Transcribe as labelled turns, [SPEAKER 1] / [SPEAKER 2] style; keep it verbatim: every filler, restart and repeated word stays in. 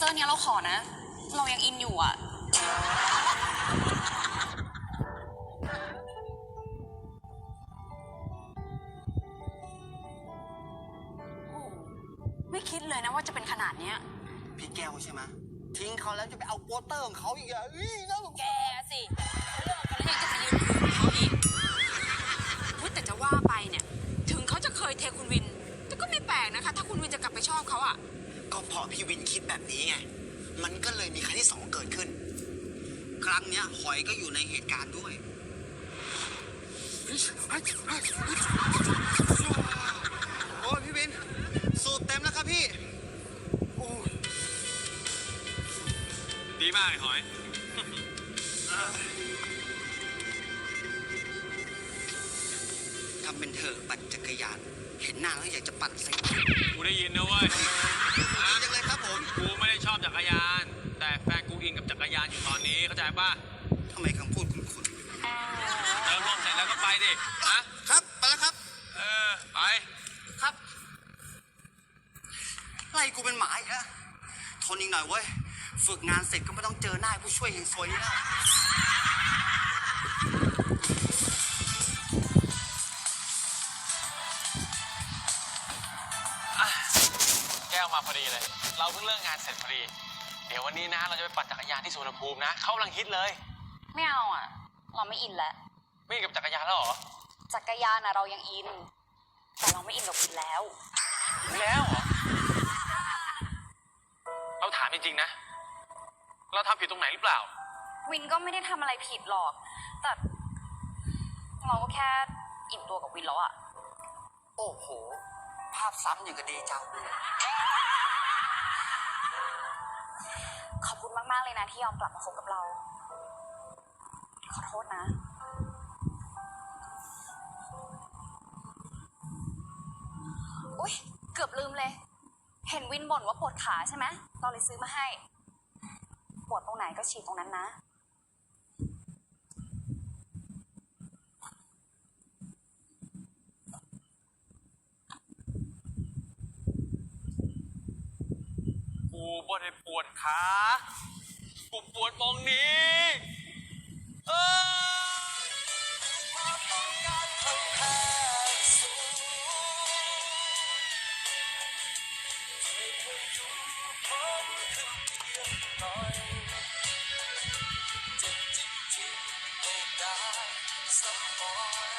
[SPEAKER 1] อร์เนี้ยเราขอนะ เรายังอินอยู่อ่ะไม่คิดเลยนะว่าจะเป็นขนาดเนี้ย
[SPEAKER 2] พี่แก้วใช่ไหมทิ้งเขาแล้วจะไปเอาโปสเตอร์ของเขาอีกอ่ะ
[SPEAKER 1] แกสิเลิกกันแล้วยังจะไปยืนคุยเขาอีกพูดแต่จะว่าไปเนี่ยถึงเขาจะเคยเทคุณวินแต่ก็ไม่แปลกนะคะถ้าคุณวินจะกลับไปชอบเขาอ่ะ
[SPEAKER 2] ก็เพราะพี่วินคิดแบบนี้ไงมันก็เลยมีครั้งที่สองเกิดขึ้นครั้งเนี้ยหอยก็อยู่ในเหตุการณ์ด้วยโอ้ยพี่วินสูบเต็มแล้วครับพี่
[SPEAKER 3] ดีมากหอย
[SPEAKER 2] ทำเป็นเถอะปั่นจักรยานเห็นหน้าแล้วอยากจะปั่นใส่
[SPEAKER 3] กูได้ยินนะเว้ย
[SPEAKER 2] จังเลยครับผม
[SPEAKER 3] กูไม่ได้ชอบจักรยานแต่แฟนกูอินกับจักรยานอยู่ตอนนี้เข้าใจป่ะ
[SPEAKER 2] ทำไมคำพูดคุณคุณ
[SPEAKER 3] เติมลมเสร็จแล้วก็ไปดิ
[SPEAKER 2] นะครับไปแล้วครับ
[SPEAKER 3] เออไป
[SPEAKER 2] ครับไล่กูเป็นหมาอีกแล้วทนอีกหน่อยเว้ยฝึกงานเสร็จก็ไม่ต้องเจอหน้าผู้ช่วยเฮงซวยนี่แล้ว
[SPEAKER 3] แก้วมาพอดีเลยเราเพิ่งเลิกงานเสร็จพอดีเดี๋ยววันนี้นะเราจะไปปั่นจักรยานที่สุวรรณภูมินะเขากำลังฮิตเลย
[SPEAKER 1] ไม่เอาอ่ะเราไม่อินแล้ว
[SPEAKER 3] ไม่อินกับจักรยานแล้วเหรอ
[SPEAKER 1] จักรยานอ่ะเรายังอินแต่เราไม่อินกับวินแล้ว
[SPEAKER 3] แล้วเหรอเราถามจริงๆนะเราทำผิดตรงไหนหรือเปล่า
[SPEAKER 1] วินก็ไม่ได้ทำอะไรผิดหรอกแต่เราก็แค่อิ่มตัวกับวินแล้วอะ
[SPEAKER 2] โอ้โหภาพซ้ำอย่างกับเดจาวู
[SPEAKER 1] ขอบคุณมากๆเลยนะที่ยอมกลับมาคบกับเราขอโทษนะอุ๊ยเกือบลืมเลยเห็นวินบ่นว่าปวดขาใช่ไหมเราเลยซื้อมาให้ปวดตรงไหนก็ฉีดตรงนั้นนะ
[SPEAKER 3] กูบ่ได้ปวดขากูปวดมองนี้เออ